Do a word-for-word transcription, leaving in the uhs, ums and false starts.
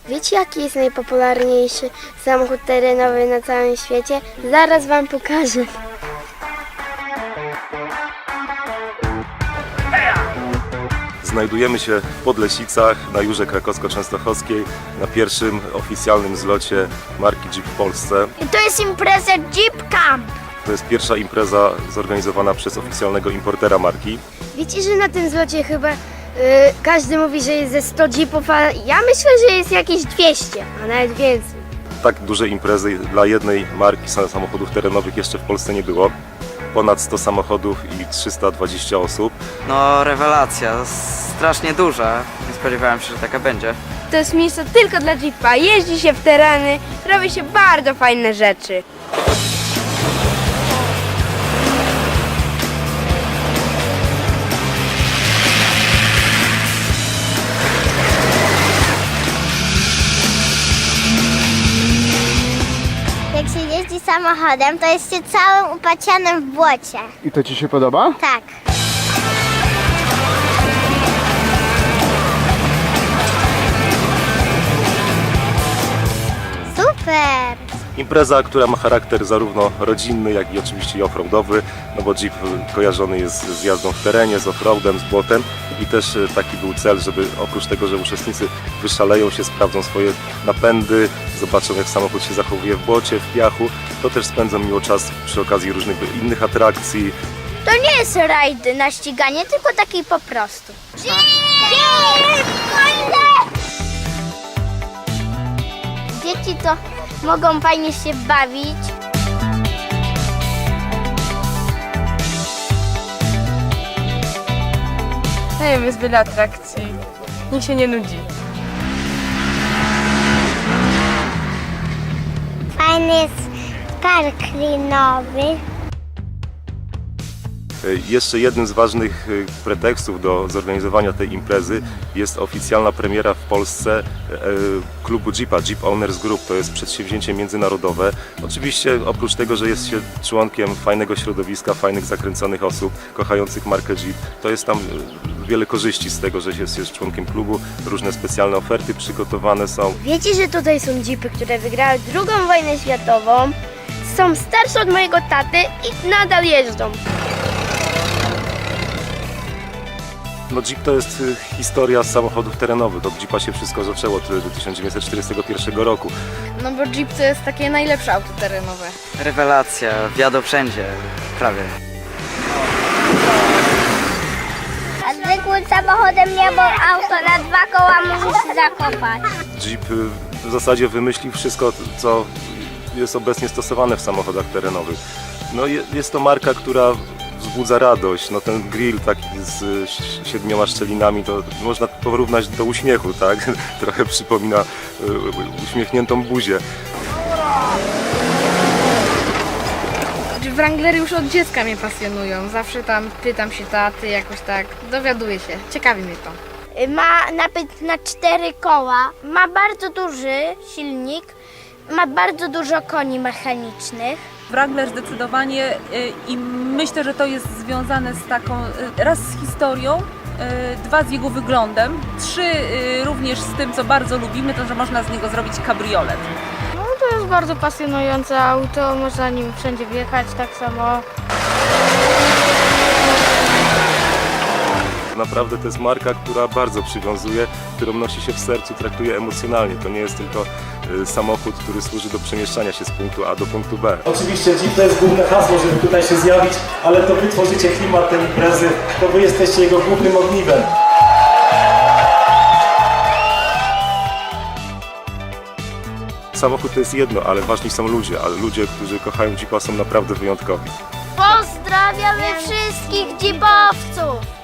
Wiecie, jaki jest najpopularniejszy samochód terenowy na całym świecie? Zaraz wam pokażę. Znajdujemy się w Podlesicach na Jurze Krakowsko-Częstochowskiej na pierwszym oficjalnym zlocie marki Jeep w Polsce. I to jest impreza Jeep Camp. To jest pierwsza impreza zorganizowana przez oficjalnego importera marki. Wiecie, że na tym zlocie chyba y, każdy mówi, że jest ze sto jeepów, a ja myślę, że jest jakieś dwieście, a nawet więcej. Tak dużej imprezy dla jednej marki samochodów terenowych jeszcze w Polsce nie było. Ponad sto samochodów i trzysta dwadzieścia osób. No rewelacja, strasznie duża. Nie spodziewałem się, że taka będzie. To jest miejsce tylko dla Jeepa. Jeździ się w tereny, robi się bardzo fajne rzeczy. Jak się jeździ samochodem, to jest się całym upacianym w błocie. I to Ci się podoba? Tak. Super! Impreza, która ma charakter zarówno rodzinny, jak i oczywiście i offroadowy, no bo Jeep kojarzony jest z jazdą w terenie, z offroadem, z błotem i też taki był cel, żeby oprócz tego, że uczestnicy wyszaleją się, sprawdzą swoje napędy, zobaczą jak samochód się zachowuje w błocie, w piachu, to też spędzą miło czas przy okazji różnych innych atrakcji. To nie jest rajd na ściganie, tylko taki po prostu. Dzieci to mogą fajnie się bawić. Nie wiem, jest wiele atrakcji. Nikt się nie nudzi. Fajny jest park linowy. Jeszcze jednym z ważnych pretekstów do zorganizowania tej imprezy jest oficjalna premiera w Polsce klubu Jeepa, Jeep Owners Group. To jest przedsięwzięcie międzynarodowe. Oczywiście oprócz tego, że jest się członkiem fajnego środowiska, fajnych, zakręconych osób, kochających markę Jeep, to jest tam wiele korzyści z tego, że jest się członkiem klubu. Różne specjalne oferty przygotowane są. Wiecie, że tutaj są jeepy, które wygrały drugą wojnę światową, są starsze od mojego taty i nadal jeżdżą. No Jeep to jest y, historia samochodów terenowych. Od Jeepa się wszystko zaczęło do tysiąc dziewięćset czterdziestego pierwszego roku. No bo Jeep to jest takie najlepsze auto terenowe. Rewelacja, wjadą wszędzie, prawie. A zwykłym samochodem nie, bo auto na dwa koła może się zakopać. Jeep y, w zasadzie wymyślił wszystko, co jest obecnie stosowane w samochodach terenowych. No je, jest to marka, która wzbudza radość. No ten grill taki z y, siedmioma szczelinami, to można porównać do uśmiechu, tak? Trochę przypomina y, uśmiechniętą buzię. Wranglery już od dziecka mnie pasjonują. Zawsze tam pytam się taty, jakoś tak dowiaduję się. Ciekawi mnie to. Ma napęd na cztery koła, ma bardzo duży silnik, ma bardzo dużo koni mechanicznych. Wrangler zdecydowanie y, i myślę, że to jest związane z taką, y, raz z historią, y, dwa z jego wyglądem, trzy y, również z tym, co bardzo lubimy, to że można z niego zrobić kabriolet. No to jest bardzo pasjonujące auto, można nim wszędzie wjechać tak samo. Naprawdę to jest marka, która bardzo przywiązuje, którą nosi się w sercu, traktuje emocjonalnie. To nie jest tylko y, samochód, który służy do przemieszczania się z punktu A do punktu B. Oczywiście Jeep to jest główne hasło, żeby tutaj się zjawić, ale to wy tworzycie klimat tej imprezy, to wy jesteście jego głównym ogniwem. Samochód to jest jedno, ale ważni są ludzie, ale ludzie, którzy kochają Jeepa, są naprawdę wyjątkowi. Pozdrawiamy wszystkich jeepowców!